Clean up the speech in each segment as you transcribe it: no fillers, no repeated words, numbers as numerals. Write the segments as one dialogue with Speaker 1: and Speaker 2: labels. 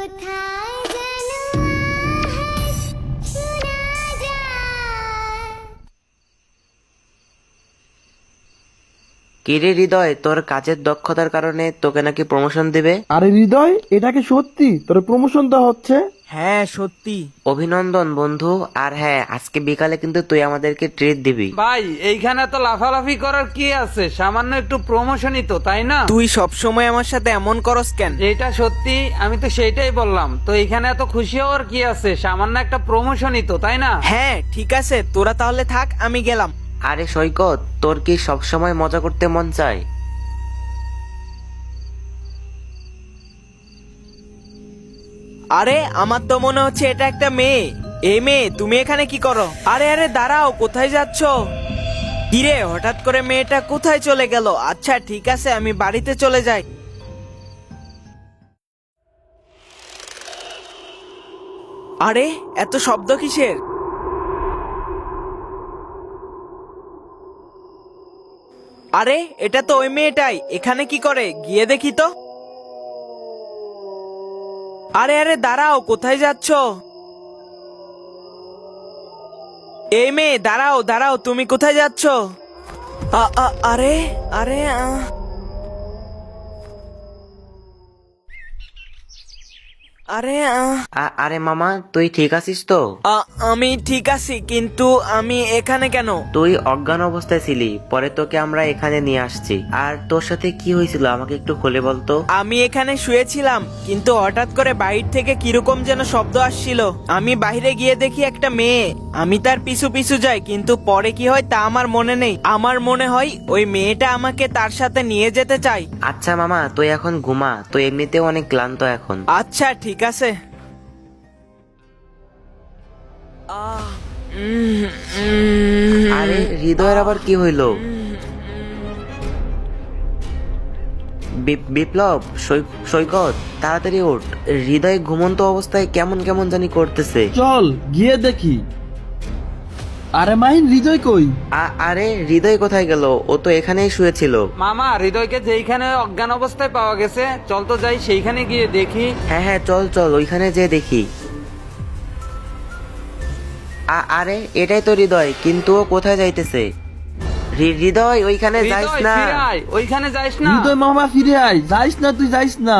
Speaker 1: কোথায় যেন আওয়াজ শোনা যায়।
Speaker 2: কিরে হৃদয়, তোর কাজের দক্ষতার কারণে তোকে নাকি প্রমোশন দিবে।
Speaker 3: আরে হৃদয়, এটা কি সত্যি? তোর প্রমোশন তো হচ্ছে।
Speaker 4: হ্যাঁ সত্যি।
Speaker 2: অভিনন্দন বন্ধু। আর হ্যাঁ, আজকে বিকালে কিন্তু তুই আমাদেরকে ট্রিট দিবি।
Speaker 5: ভাই এইখানে তো লাফালাফি করার কি আছে, সামান্য একটু প্রমোশনই তো, তাই না?
Speaker 4: তুই সব সময় আমার সাথে এমন করস কেন?
Speaker 5: যেটা সত্যি আমি তো সেইটাই বললাম, তো এখানে এত খুশি হওয়ার কি আছে, সামান্য একটা প্রমোশনই তো, তাই না?
Speaker 4: হ্যাঁ ঠিক আছে, তোরা তাহলে থাক, আমি গেলাম।
Speaker 2: আরে সৈকত, তোর কি সবসময় মজা করতে মন চায়?
Speaker 4: আরে আমার তো মনে হচ্ছে এটা একটা মেয়ে। এই মেয়ে, তুমি এখানে কি করো? আরে আরে দাঁড়াও, কোথায় যাচ্ছ? কিরে, হঠাৎ করে মেয়েটা কোথায় চলে গেল? আচ্ছা ঠিক আছে, আমি বাড়িতে চলে যাই। আরে এত শব্দ কিসের? আরে এটা তো ওই মেয়েটাই, এখানে কি করে? গিয়ে দেখি তো। আরে আরে দাঁড়াও, কোথায় যাচ্ছ? এই মেয়ে, দাঁড়াও দাঁড়াও, তুমি কোথায় যাচ্ছ? আরে আরে আরে
Speaker 2: আরে মামা, তুই ঠিক আছিস তো?
Speaker 4: আমি ঠিক আছি, কিন্তু আমি এখানে কেন?
Speaker 2: তুই অজ্ঞান অবস্থায় ছিলি, পরে তোকে আমরা এখানে নিয়ে আসছি। আর তোর সাথে কি হয়েছিল আমাকে একটু খুলে বলতো।
Speaker 4: আমি এখানে শুয়েছিলাম, কিন্তু হঠাৎ করে বাইরে থেকে কিরকম যেন শব্দ আসছিল। আমি বাইরে গিয়ে দেখি একটা মেয়ে। আমি তার পিছু পিছু যাই, কিন্তু পরে কি হয় তা আমার মনে নেই। আমার মনে হয় ওই মেয়েটা আমাকে তার সাথে নিয়ে যেতে চায়।
Speaker 2: আচ্ছা মামা, তুই এখন ঘুমা, তুই এমনিতেও অনেক ক্লান্ত এখন।
Speaker 4: আচ্ছা ঠিক আছে।
Speaker 2: আরে হৃদয়ের আবার কি হইলো? বিপ্লব, সৈকত, তাড়াতাড়ি ওঠ। হৃদয় ঘুমন্ত অবস্থায় কেমন কেমন জানি করতেছে।
Speaker 3: চল গিয়ে দেখি। আরে মাহিন, হৃদয় কই?
Speaker 2: আরে হৃদয় কোথায় গেল? ও তো এখানেই শুয়েছিল।
Speaker 5: মামা, হৃদয়কে যেইখানে অজ্ঞান অবস্থায় পাওয়া গেছে, চল তো যাই সেইখানে গিয়ে দেখি।
Speaker 2: হ্যাঁ হ্যাঁ, চল চল, ওইখানে যেয়ে দেখি। আরে এটাই তো হৃদয়, কিন্তু ও কোথায় যাইতেছে? হৃদয়, ওইখানে যাইস
Speaker 5: হৃদয়
Speaker 2: না।
Speaker 5: ফিরে আয়, ওইখানে যাইস না।
Speaker 3: হৃদয় মামা ফিরে আয়, যাইস না, তুই যাইস না।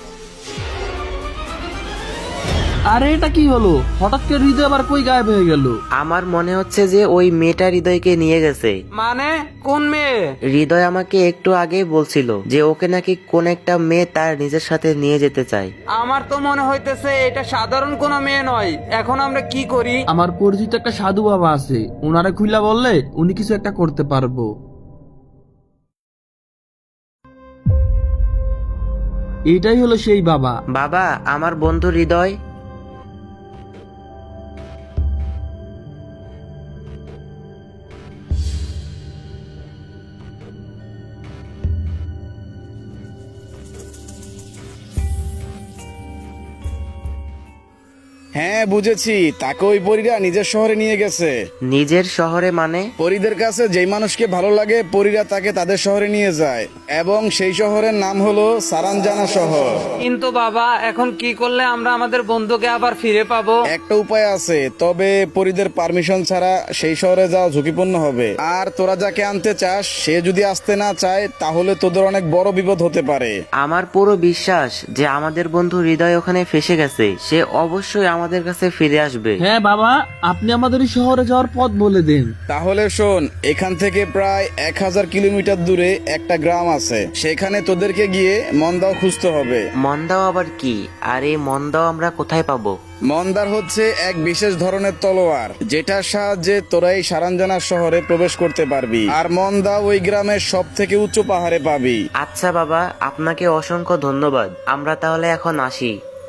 Speaker 3: আরে এটা কি হলো? হঠাৎ করে হৃদয় আবার কই গায়েব হয়ে গেল?
Speaker 2: আমার মনে হচ্ছে যে ওই মেয়েটা হৃদয়কে নিয়ে গেছে।
Speaker 5: মানে কোন মেয়ে?
Speaker 2: হৃদয় আমাকে একটু আগেই বলছিল যে ওকে নাকি কোন একটা মেয়ে তার নিজের সাথে নিয়ে যেতে চায়।
Speaker 5: আমার তো মনে হইতেছে এটা সাধারণ কোনো মেয়ে নয়। এখন আমরা কি করি?
Speaker 3: আমার পরিচিত একটা সাধু বাবা আছে, ওনারে খুইলা বললে উনি কিছু একটা করতে পারবো। এইটাই হলো সেই বাবা।
Speaker 2: বাবা, আমার বন্ধু হৃদয়।
Speaker 6: হ্যাঁ বুঝেছি, তাকে ওই পরীরা নিজের শহরে নিয়ে গেছে।
Speaker 2: নিজের শহরে মানে?
Speaker 6: পরীদের কাছে যেই মানুষকে ভালো লাগে পরীরা তাকে তাদের শহরে নিয়ে যায়, এবং সেই শহরের নাম হলো সারানজানা শহর।
Speaker 5: কিন্তু বাবা, এখন কি করলে আমরা আমাদের বন্ধুকে আবার ফিরে পাবো?
Speaker 6: একটা উপায় আছে, তবে পরীদের পারমিশন ছাড়া সেই শহরে যাওয়া ঝুঁকিপূর্ণ হবে। আর তোরা যাকে আনতে চাস সে যদি আসতে না চায়, তাহলে তোদের অনেক বড় বিপদ হতে পারে।
Speaker 2: আমার পুরো বিশ্বাস যে আমাদের বন্ধু হৃদয় ওখানে ফেসে গেছে, সে অবশ্যই আমাদের কাছে ফিরে আসবে।
Speaker 3: হ্যাঁ বাবা, আপনি আমাদের এই শহরে যাওয়ার পথ বলে দেন।
Speaker 6: তাহলে শোন, এখান থেকে প্রায় 1000 কিলোমিটার দূরে একটা গ্রাম আছে, সেখানে তোদেরকে গিয়ে মন্দাও খুঁজতে হবে।
Speaker 2: মন্দাও আবার কি? আর এই মন্দাও আমরা কোথায় পাবো?
Speaker 6: মন্দার হচ্ছে এক বিশেষ ধরনের তলোয়ার, যেটার সাহায্যে তোরা এই সারানজানা শহরে প্রবেশ করতে পারবি। আর মন্দা ওই গ্রামের সব থেকে উঁচু পাহাড়ে পাবি।
Speaker 2: আচ্ছা বাবা, আপনাকে অসংখ্য ধন্যবাদ। আমরা তাহলে এখন আসি।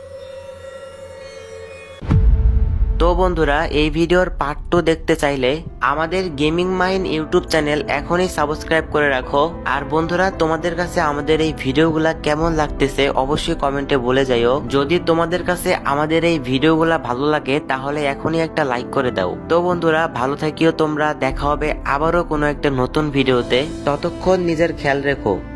Speaker 2: তো বন্ধুরা, এই ভিডিওর পার্ট 2 দেখতে চাইলে আমাদের গেমিং মাইন্ড ইউটিউব চ্যানেল এখনই সাবস্ক্রাইব করে রাখো। আর বন্ধুরা, তোমাদের কাছে আমাদের এই ভিডিওগুলা কেমন লাগতেছে অবশ্যই কমেন্টে বলে যাইও। যদি তোমাদের কাছে আমাদের এই ভিডিওগুলা ভালো লাগে তাহলে এখনই একটা লাইক করে দাও। তো বন্ধুরা, ভালো থাকিও তোমরা, দেখা হবে আবারও কোনো একটা নতুন ভিডিওতে। ততক্ষণ নিজের খেয়াল রেখো।